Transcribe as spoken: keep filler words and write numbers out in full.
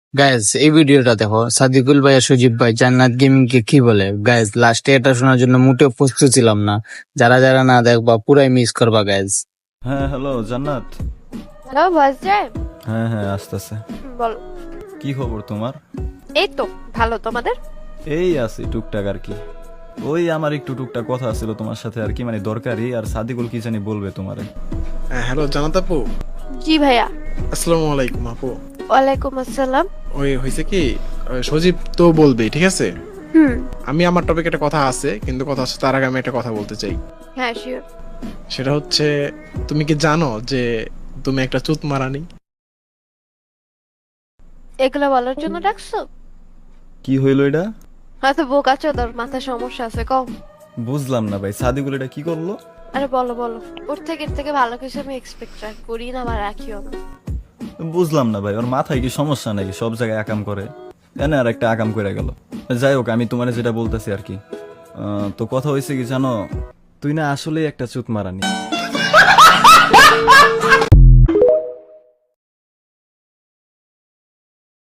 Guys এই ভিডিওটা দেখো, সাদিকুল ভাই আর সজীব ভাই জান্নাত গেমিং কে কি বলে। গাইজ লাস্টে এটা শোনার জন্য মোটেও প্রস্তুত ছিলাম না। যারা যারা না দেখবা পুরাই মিস করবা গাইজ। হ্যাঁ হ্যালো জান্নাত। হ্যালো ভয়েস যায়? হ্যাঁ হ্যাঁ আসতেছে। বলো। কি খবর তোমার? এই তো ভালো, তোমাদের? এই আছি টুকটাক আর কি। ওই আমার একটু টুকটাক কথা ছিল তোমার সাথে আর কি, মানে দরকারি। আর সাদিকুল কি জানি বলবে তোমারে। হ্যাঁ, হ্যালো জানাত আপু। জি ভাইয়া। আসসালামু আলাইকুম আপু। ওয়ালাইকুম আসসালাম। ওই হয়েছে কি, ওই সজীব তো বলবে, ঠিক আছে। হুম। আমি আমার টপিক একটা কথা আছে, কিন্তু কথা হচ্ছে তার আগে আমি একটা কথা বলতে চাই। হ্যাঁ শিওর। সেটা হচ্ছে, তুমি কি জানো যে তুমি একটা চুত মারানি? এগুলো বলার জন্য ডাকছো? কি হইলো এটা? হয়তো বোকা চোদর মাথায় সমস্যা আছে, কম। বুঝলাম না ভাই, সাদিকুল এটা কি করলো? আরে বলো বলো, ওর থেকে এর থেকে ভালো কিছু আমি এক্সপেক্ট করি না বা রাখিও না। বুঝলাম না ভাই, ওর মাথায় কি সমস্যা নাকি? সব জায়গায় আকাম করে, এনে আর একটা আকাম করে গেল। যাই হোক, আমি তোমার যেটা বলতেছি আর কি, আহ, তো কথা হয়েছে কি জানো, তুই না আসলেই একটা চুত মারানি।